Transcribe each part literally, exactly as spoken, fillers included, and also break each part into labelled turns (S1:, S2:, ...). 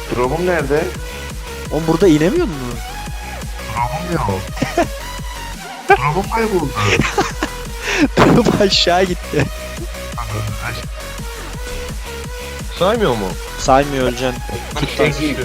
S1: Drop'um nerede?
S2: Oğlum burada inemiyor mu?
S1: Drop'um yok. Drop'um kayboldu.
S2: Drop aşağı gitti.
S3: Saymıyor mu?
S2: Saymıyor öleceksin.
S1: Peki.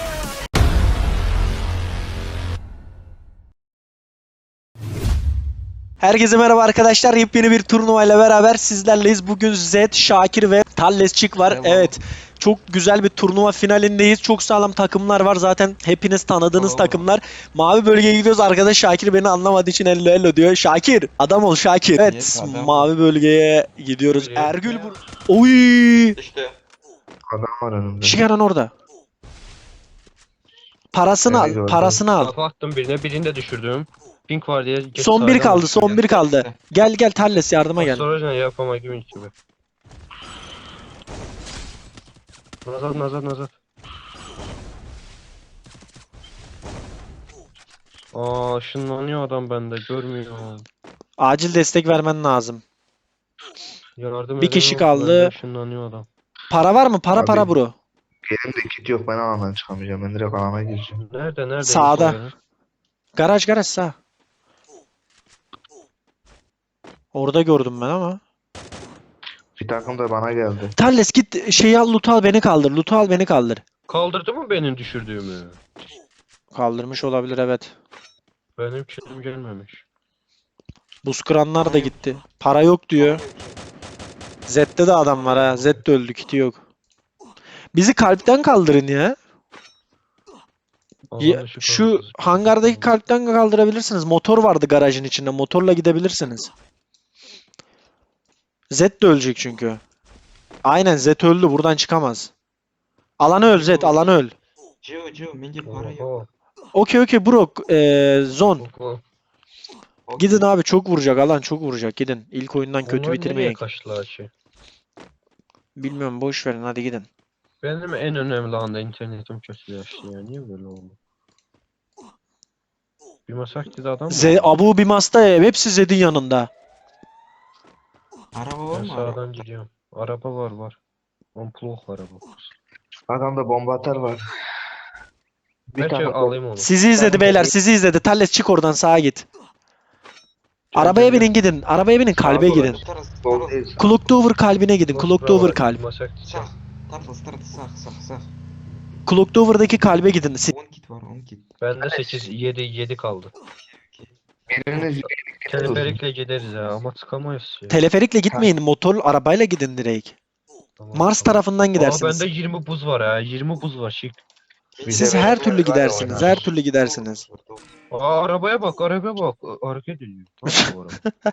S2: Herkese merhaba arkadaşlar. Yepyeni bir turnuvayla beraber sizlerleyiz. Bugün Zed, Şakir ve Tallesçik var.
S4: Merhaba.
S2: Evet. Çok güzel bir turnuva finalindeyiz. Çok sağlam takımlar var. Zaten hepiniz tanıdığınız
S4: Oo.
S2: takımlar. Mavi bölgeye gidiyoruz. Arkadaş Şakir beni anlamadığı için hello hello diyor. Şakir. Adam ol Şakir. Evet.
S4: Yes, adam.
S2: Mavi bölgeye gidiyoruz.
S3: Bölgeye.
S2: Ergül bur. Oy!
S4: İşte
S1: Adam var önümde.
S2: Şikaran orada. Parasını
S1: Evet,
S2: al.
S1: gördüm.
S2: Parasını al.
S3: Kafa attım birine, birini de düşürdüm. Pink var diye. geç
S2: Son bir
S3: sağdan
S2: kaldı.
S3: düşürdüm.
S2: Son bir kaldı. Gel gel Talles yardıma gel.
S3: Sonra ne yapama gibi gibi. Nazat nazat nazat. Aa ışınlanıyor adam bende, görmüyor.
S2: Acil destek vermen lazım.
S3: Yardım
S2: Bir kişi
S3: edemem,
S2: kaldı.
S3: bende ışınlanıyor adam.
S2: Para var mı? Para
S1: Abi.
S2: para bro.
S1: Elimde kit yok, ben alandan çıkamayacağım. Ben direkt alana gireceğim.
S3: Nerede nerede?
S2: Sağda.
S3: İnfo verin.
S2: Garaj garaj sağ. Orada gördüm ben ama.
S1: Bir takım da bana geldi.
S2: Talles git şeyi al loot'u al beni kaldır. Loot'u al beni kaldır.
S3: Kaldırdı mı benim düşürdüğümü?
S2: Kaldırmış olabilir evet.
S3: Benim kilim gelmemiş.
S2: Buz kıranlar da gitti. Para yok diyor. Zed'de de adam var ha. Zed de öldü kiti yok. Bizi kalpten kaldırın ya. Ya,
S3: Alan dışı
S2: şu
S3: kaldı.
S2: hangardaki kalpten kaldırabilirsiniz. Motor vardı garajın içinde. Motorla gidebilirsiniz. Zed de ölecek çünkü. Aynen Zed öldü. Buradan çıkamaz. Alanı öl Zed. Alanı öl.
S4: Gio Gio menge para yok.
S3: Oho,
S2: Okey okey bro. Ee, zon.
S3: oho.
S2: Gidin abi çok vuracak. Alan çok vuracak. Gidin. İlk oyundan kötü
S3: Onlar nereye
S2: bitirmeyin.
S3: kaçtılar ki?
S2: Bilmiyorum boş verin hadi gidin.
S3: Benim en önemli anda internetim kötüleşti ya. Niye böyle oldu? Bir masakti adam mı?
S2: Z Abu Bimas'ta hepsi Zed'in yanında.
S4: Araba var
S3: Ben
S4: mı?
S3: sağdan
S4: Araba?
S3: gidiyorum. Araba var var. Amplok var araba.
S1: Adamda bomba atar var. Bir
S3: Belki
S1: takım
S3: alayım onu.
S2: Sizi izledi beyler sizi izledi. Talles çık oradan sağa git. Arabaya binin gidin. Arabaya binin kalbe
S1: Sağ
S2: gidin.
S4: Староста,
S1: Sol
S4: староста.
S1: değil.
S2: Clock Tower kalbine gidin. Clock Tower kalp.
S4: Sağ. Tarafı староста sağ sağ sağ.
S2: Clock Tower'daki kalbe gidin. Si-
S4: on kit var on kit.
S3: Bende sekiz yedi yedi kaldı.
S1: Biriniz
S3: Teleferikle gideriz ya ama çıkamayız ya.
S2: Teleferikle gitmeyin. Motor arabayla gidin direkt.
S3: Tamam,
S2: Mars
S3: tamam.
S2: tarafından
S3: Aa
S2: gidersiniz.
S3: bende yirmi buz var ya. yirmi buz var şık.
S2: Siz
S1: Bize
S2: her
S1: ver-
S2: türlü
S1: var ya
S2: gidersiniz.
S1: oynar.
S2: Her türlü gidersiniz.
S3: Aa arabaya bak, arabaya bak. Hareket ediyor. Tamam bu araba.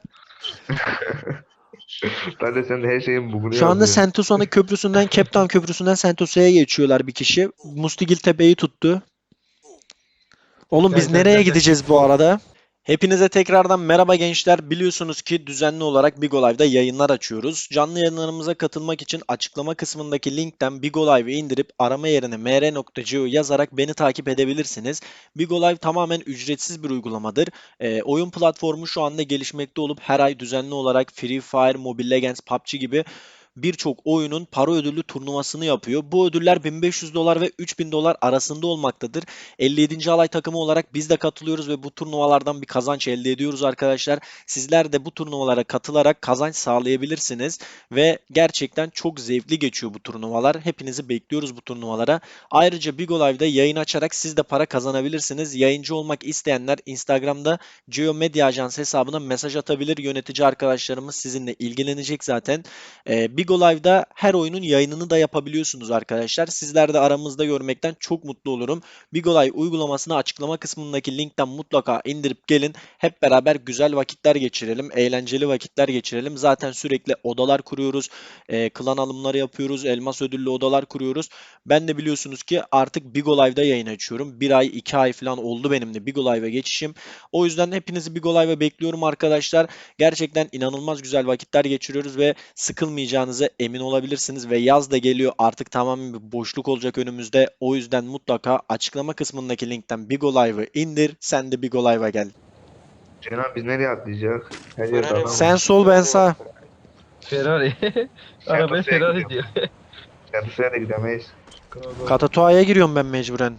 S1: Ben de sen de her şeyin bugünü
S2: Şu anda
S1: yazıyor.
S2: Sentosa köprüsünden, Cape Town köprüsünden Sentosa'ya geçiyorlar bir kişi. Mustigil tepeyi tuttu. Oğlum biz
S3: Gel, gel,
S2: nereye
S3: gel, gel.
S2: gideceğiz bu arada? Hepinize tekrardan merhaba gençler. Biliyorsunuz ki düzenli olarak Bigo Live'da yayınlar açıyoruz. Canlı yayınlarımıza katılmak için açıklama kısmındaki linkten Bigo Live'ı indirip arama yerine m r nokta geo yazarak beni takip edebilirsiniz. Bigo Live tamamen ücretsiz bir uygulamadır. E, oyun platformu şu anda gelişmekte olup her ay düzenli olarak Free Fire, Mobile Legends, P U B G gibi birçok oyunun para ödüllü turnuvasını yapıyor. Bu ödüller bin beş yüz dolar ve üç bin dolar arasında olmaktadır. elli yedinci alay takımı olarak biz de katılıyoruz ve bu turnuvalardan bir kazanç elde ediyoruz arkadaşlar. Sizler de bu turnuvalara katılarak kazanç sağlayabilirsiniz ve gerçekten çok zevkli geçiyor bu turnuvalar. Hepinizi bekliyoruz bu turnuvalara. Ayrıca Bigo Live'da yayın açarak siz de para kazanabilirsiniz. Yayıncı olmak isteyenler Instagram'da Geo Medya Ajansı hesabına mesaj atabilir. Yönetici arkadaşlarımız sizinle ilgilenecek zaten. Ee, Bigo Live'da her oyunun yayınını da yapabiliyorsunuz arkadaşlar. Sizler de aramızda görmekten çok mutlu olurum. Bigo Live uygulamasını açıklama kısmındaki linkten mutlaka indirip gelin. Hep beraber güzel vakitler geçirelim. Eğlenceli vakitler geçirelim. Zaten sürekli odalar kuruyoruz. E, klan alımları yapıyoruz. Elmas ödüllü odalar kuruyoruz. Ben de biliyorsunuz ki artık Bigo Live'da yayın açıyorum. Bir ay, iki ay falan oldu benim de Bigo Live'a geçişim. O yüzden hepinizi Bigo Live'a bekliyorum arkadaşlar. Gerçekten inanılmaz güzel vakitler geçiriyoruz ve sıkılmayacağınıza emin olabilirsiniz ve yaz da geliyor. Artık tamamen bir boşluk olacak önümüzde. O yüzden mutlaka açıklama kısmındaki linkten Bigo Live'ı indir. Sen de Bigo Live'a gel.
S1: Cenan biz nereye atlayacak? Her yerde adam var.
S2: Sen sol ben sağ.
S3: Ferrari. Arabaya
S1: Sentosa'ya
S3: Ferrari
S1: gidiyorum.
S3: diyor.
S1: Sentosa'ya da gidemeyiz.
S2: Katatua'ya giriyorum ben mecburen.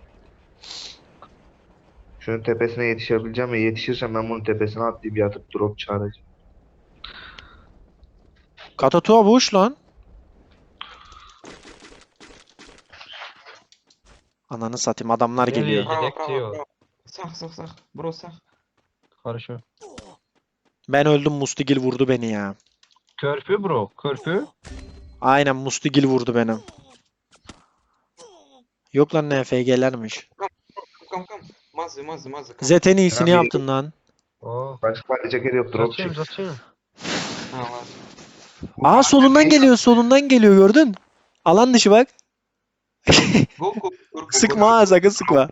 S1: Şunun tepesine yetişebileceğim ve yetişirsem ben bunun tepesine atlayıp yatıp drop çağıracağım.
S2: Katatua boş lan. Ananı satayım adamlar
S3: Nereye
S2: geliyor.
S3: gidiyor?
S4: Bravo,
S3: Yedek
S4: bravo,
S3: diyor.
S4: bravo. Sağ, sağ, sağ. Bro, sağ.
S3: Karşı.
S2: Ben öldüm Mustigil vurdu beni ya.
S3: Körpü bro. Körpü.
S2: Aynen Mustigil vurdu benim. Yok lan N F G'lermiş.
S4: Come, come. Mazı, mazı, mazı. Come.
S2: Zed en iyisini
S1: Ben bir-
S2: yaptın lan.
S3: Aa.
S1: Başka bir ceket yok, drop
S3: Zaçayım
S1: çek.
S3: zaçayım.
S4: Ha, var.
S2: Aa solundan geliyor solundan geliyor gördün. Alan dışı bak.
S4: Go, go, go, go,
S2: Sıkma
S4: go,
S2: ha
S4: go.
S2: sakın sıkma.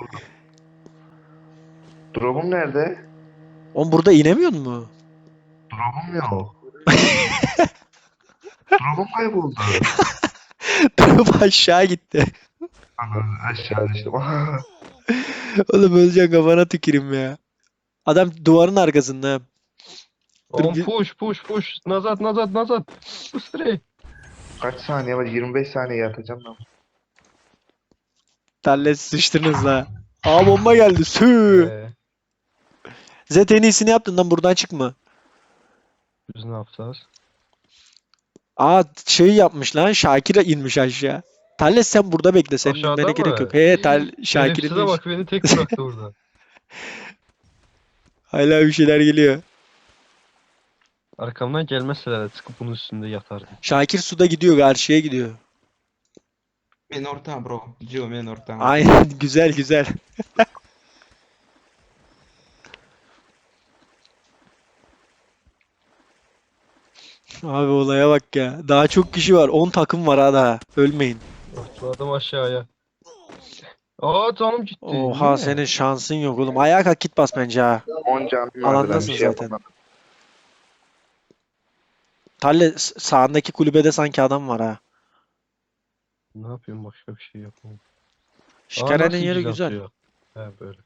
S1: Drop'um nerede?
S2: Oğlum burada inemiyor mu?
S1: Drop'um yok. Drop'um kayboldu.
S2: Drop aşağı gitti.
S1: Ana, aşağı düştüm.
S2: Oğlum öleceksin kafana tüküreyim ya. Adam duvarın arkasında. Dur
S3: Oğlum
S2: bir-
S3: push push push. Nazat nazat nazat. Bыстрей.
S1: Kaç saniye var? yirmi beş saniye yatacağım ben.
S2: Talles sıçtınız la. Aa bomba geldi. Sü.
S3: Ee,
S2: Zed en iyisini yaptın lan buradan çıkma.
S3: biz ne yapacağız?
S2: Aa şey yapmış lan. Şakir inmiş aşağı. Talles sen burada bekle. Senin
S3: Aşağıda
S2: inmene gerek
S3: mı?
S2: yok. He Tal Şakir
S3: Şerefsize
S2: inmiş.
S3: bak beni tek bıraktı burada.
S2: Hala bir şeyler geliyor.
S3: Arkamdan gelmezseler de çıkıp bunun üstünde yatardım.
S2: Şakir suda gidiyor. Karşıya gidiyor.
S4: Men orta bro. Gio, men orta.
S2: Aynen güzel güzel. Abi olaya bak ya. Daha çok kişi var. on takım var ha daha. Ölmeyin.
S3: Atladım aşağıya. Aa canım gitti.
S2: Oha
S3: Niye?
S2: senin şansın yok oğlum. Ayağa kalk git bas bence ha.
S1: on canım vardı, ben
S2: Alandasın
S1: bir şey
S2: zaten.
S1: yapamadım.
S2: Talle s- sağındaki kulübede sanki adam var ha.
S3: Ne yapayım başka bir şey yapamam. Aa,
S2: Şikarenin
S3: nasıl
S2: yeri
S3: güzel
S2: güzel.
S3: atıyor. He böyle.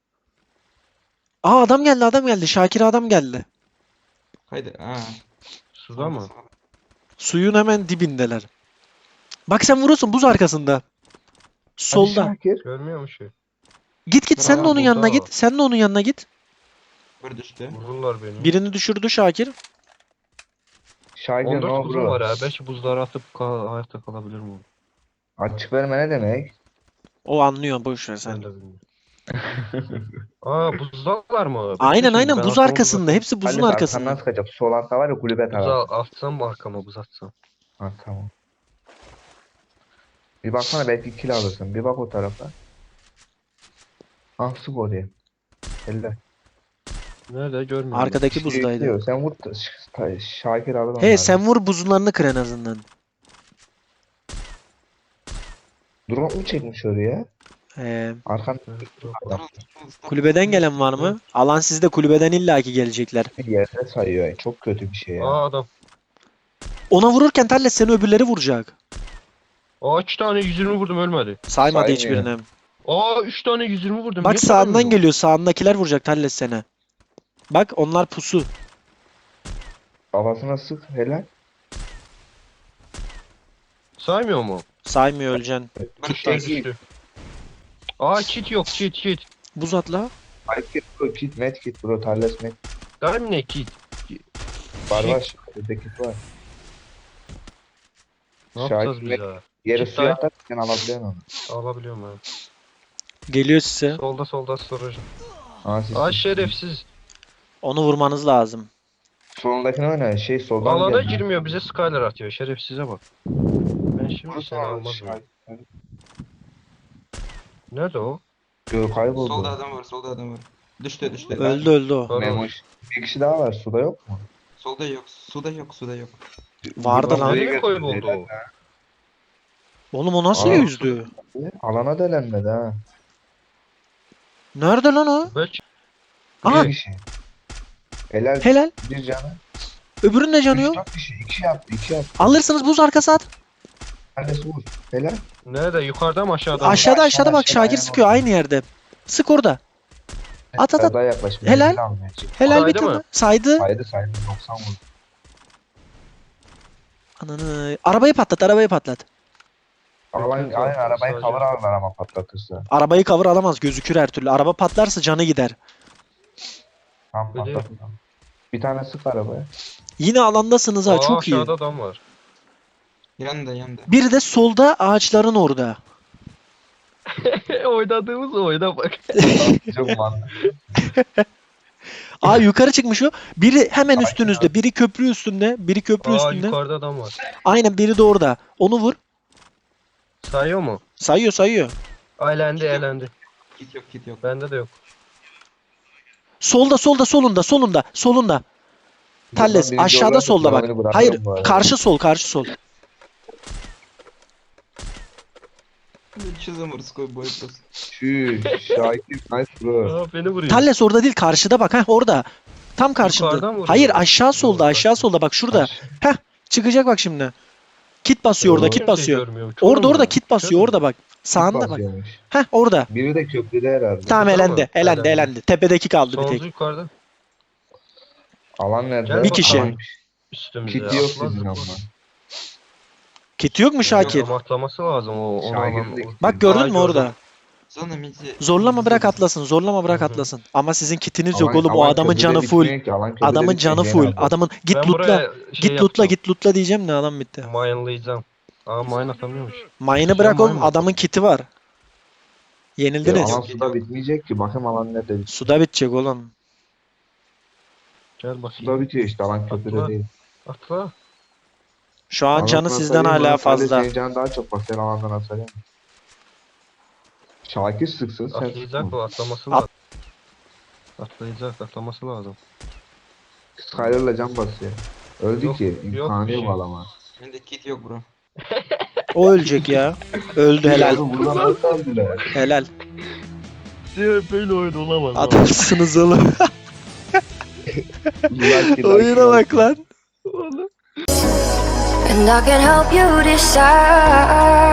S2: Aa adam geldi adam geldi. Şakir adam geldi.
S4: Haydi. Ha.
S3: Suda mı?
S4: sağda.
S2: Suyun hemen dibindeler. Bak sen vurursun buz arkasında. Solda.
S1: Hadi Şakir.
S3: Görmüyor musun şey?
S2: Git git sen de
S4: Bravo,
S2: onun yanına
S3: burada.
S2: git. Sen de onun yanına git.
S4: Bir düştü.
S3: Vururlar beni.
S2: Birini düşürdü Şakir.
S1: Şakir
S3: on
S1: ne
S3: dört buzum
S1: oldu?
S3: var ha. Belki buzları atıp kal hayatta kalabilirim onu.
S1: Açık verme ne demek?
S2: O anlıyor boş ver
S3: Ben
S2: sen.
S3: de bilmiyorum. Aa buzdalar mı?
S2: Aynen
S3: Bekle
S2: aynen
S3: şimdi, ben
S2: buz
S3: arkamı
S2: arkasında.
S3: buzatayım.
S2: Hepsi buzun
S1: Halil,
S2: arkasında.
S1: arkandan sıkacak. Sol altta var ya kulübe tarafı.
S3: Buza atsam mı arkama buz atsam?
S1: Ha tamam. Bir baksana belki kill alırsın. Bir bak o tarafa. Ah sık oraya. Elle.
S3: Nerede görmüyorum.
S2: Arkadaki
S1: İşte
S2: buzdaydı.
S1: bekliyor. Sen vur. Ş- Şakir alır
S2: He
S1: onları.
S2: sen vur buzunlarını kır en azından.
S1: Drone mu çekmiş oraya?
S2: He.
S1: Arkan
S3: Evet, yok.
S1: adam
S2: Kulübeden gelen var mı? Alan sizde kulübeden illaki gelecekler.
S1: bir yerde sayıyor. Çok kötü bir şey ya.
S3: Aa adam.
S2: Ona vururken Talles seni öbürleri vuracak.
S3: Aa üç tane yüz yirmi vurdum ölmedi.
S2: Saymadı
S1: Saymıyor.
S2: hiçbirini.
S3: Aa üç tane yüz yirmi vurdum.
S2: Bak
S3: Niye
S2: sağından
S3: saymıyor?
S2: geliyor. Sağındakiler vuracak Talles seni. Bak onlar pusu.
S1: Kafasına sık helal.
S3: Saymıyor mu?
S2: Saymıyor öleceksin.
S4: Bir
S3: Düştü
S4: düştü.
S3: düştü. Aa kit yok kit kit.
S2: Buz atla.
S1: Hayır kit bro kit net kit bro. Tarles net.
S3: Değil ne kit?
S1: Var var. Şurada kit var.
S3: Ne yapacağız
S1: Şakir
S3: biz
S1: net.
S3: ya?
S1: Yere
S3: Kit
S1: suya
S3: dayı.
S1: atarsan alabiliyorsun onu.
S3: Alabiliyorum ben.
S2: Geliyor size.
S3: Solda solda storage.
S1: Aa, siz-
S3: Aa şerefsiz.
S2: Onu vurmanız lazım.
S1: Solundakini oyna. Şey soldan
S3: Alana
S1: geldi.
S3: girmiyor bize Skyler atıyor. Şerefsize bak. Ben şimdi
S1: Vurursun
S3: seni
S1: abi,
S3: almaz mı?
S1: Şakir.
S3: Nerede o?
S1: Gö kayboldu.
S4: Solda adam var, solda adam var. Düştü, düştü.
S2: Öldü öldü o.
S3: Var
S1: Memoş. Bir kişi daha var. Suda yok mu?
S4: Solda yok, suda yok, suda yok.
S2: Vardı
S1: Bir
S2: lan.
S1: oraya
S3: Nereye kayboldu
S1: götürdüler.
S3: o?
S2: Oğlum o nasıl
S1: Aa.
S2: yüzdü?
S1: Alana delenmedi ha.
S2: Nerede lan o?
S3: Belki
S2: Aha
S1: Bir kişi. Helal.
S2: helal.
S1: Bir canı.
S2: Öbürünün de canı
S1: Üç
S2: yok.
S1: dört kişi. İki yaptı. iki yaptı.
S2: Alırsınız buz arkası at.
S1: Tanesi vur. Helal.
S3: nerede? Yukarıda mı aşağıda mı?
S2: Aşağıda
S1: aşağı,
S2: aşağıda bak
S1: aşağı,
S2: Şakir
S1: ayağına
S2: sıkıyor
S1: bak.
S2: aynı yerde. Sık orada. At at
S1: Biraz
S2: at.
S1: daha yaklaş.
S2: Helal.
S1: Menzil almaya çık.
S2: Helal bir
S3: Saydı
S2: tane.
S3: mı?
S2: Saydı.
S1: Saydı saydı. doksan vurdu.
S2: Ananı. Arabayı patlat arabayı patlat.
S1: Alan,
S3: Yok, yok,
S1: aynen arabayı
S3: sadece-
S1: cover alırlar ama patlatırsa.
S2: Arabayı cover alamaz, gözükür her türlü. Araba patlarsa canı gider.
S1: Tam
S3: Öyle
S1: patlatır. Bir tane sık arabaya.
S2: Yine alandasınız ha,
S3: Aa,
S2: çok iyi.
S3: aşağıda adam var.
S4: Yanında yanında.
S2: Biri de solda ağaçların orada.
S3: Oynadığımız oyuna bak.
S1: Çok mantıklı.
S2: Aa yukarı çıkmış o. Biri hemen
S1: Sakin
S2: üstünüzde. Biri köprü üstünde. Biri köprü
S3: Aa,
S2: üstünde.
S3: yukarıda adam var.
S2: Aynen, biri de orada. Onu vur.
S3: Sayıyor mu?
S2: Sayıyor sayıyor.
S3: Elendi elendi.
S4: Kit yok kit yok.
S3: Bende de yok.
S2: Solda solda solunda solunda solunda. Talles
S1: Birinci
S2: aşağıda
S1: olarak
S2: solda bak.
S1: bırakırım
S2: Hayır,
S1: bu arada.
S2: karşı sol karşı sol.
S4: Что за морской bой просто?
S1: Şuş. Şakir nice bro.
S3: Aa, beni vuruyor.
S2: Talles orada değil, karşıda bak. Heh, orada. Tam karşında.
S3: Yukarıdan vuruyor.
S2: Hayır, aşağı solda
S3: Doğru,
S2: aşağı solda bak, şurada. Heh, çıkacak bak şimdi. Kit basıyor orada,
S1: Doğru.
S2: kit
S3: Kimse
S2: basıyor.
S3: görmüyor. Çoğu
S2: Orada
S3: mu?
S2: orada kit basıyor
S3: Görmüyor.
S2: orada bak. Sağında bak.
S1: Basıyormuş.
S2: Heh, orada.
S1: Biri de köprüde herhalde.
S2: Tamam,
S3: Tamam,
S2: elendi. Elendi
S3: elendi.
S2: elendi. Tepedeki kaldı bir
S3: Sonuncu
S2: tek.
S3: yukarıda.
S1: Alan nerede?
S3: Gel
S2: Bir kişi.
S1: Alan-
S3: Üstümüzde.
S1: Kit yok
S3: Atla
S1: sizin
S3: zıpla.
S1: ama.
S2: Kit yok mu Şakir?
S3: Yok, ama atlaması lazım o. Onu
S1: Şakir'in
S3: alan.
S1: de
S3: o-
S1: kiti
S2: Bak
S1: yok.
S2: gördün
S3: Aa,
S2: mü
S3: gördüm.
S2: orada?
S4: Zona midi.
S2: Zorlama bırak atlasın. Zorlama bırak
S3: Hı hı.
S2: atlasın. Ama sizin kitiniz yok
S1: Alan-
S2: oğlum. O
S1: alan
S2: adamın
S1: köprüde
S2: canı full.
S1: bitmiyor ki, alan köprüde
S2: Adamın
S1: bitmiyor,
S2: canı
S1: gene
S2: full.
S1: abi.
S2: Adamın git
S3: Ben
S2: lootla.
S3: buraya şey
S2: Git lootla
S3: yapacağım.
S2: git lootla diyeceğim de adam bitti.
S3: Mine'layacağım. Aa, mine atamıyormuş.
S2: Mine'ı bırak
S3: mine
S2: oğlum.
S3: mi
S2: Adamın
S3: atıyorsun?
S2: kiti var.
S1: Ya,
S2: Yenildiniz.
S1: alan suda bitmeyecek ki. Bakayım alan nerede bitiyor.
S2: Suda bitecek oğlum.
S3: Gel bakayım.
S1: Suda bitiyor işte, alan köprüde
S3: Atla.
S1: değil.
S3: Atla.
S2: Şu an
S1: Alan
S2: canı
S1: sana
S2: sizden
S1: söyleyeyim,
S2: hala
S1: Murat Ali
S2: fazla.
S1: Senin canın daha çok, bak sen alandan atsana. Şakir sıksın sen
S3: Atlayacak
S1: sıkma.
S3: o, atlaması
S2: At-
S3: lazım. Atlayacak, atlaması lazım.
S1: Skyler'la can basıyor. Öldü
S3: Yok,
S1: ki.
S3: yok
S1: İmkanı
S3: bir
S1: yok
S3: şey.
S1: alama.
S4: Bende kit yok bro.
S2: O ölecek ya. Öldü, helal.
S1: Oğlum buradan nasıl aldılar?
S2: Helal.
S3: Böyle oyun olamaz.
S2: Adamsınız oğlum.
S1: Lucky,
S2: Oyuna
S1: lucky,
S2: bak lan.
S3: Oğlum.
S5: And I can help you decide.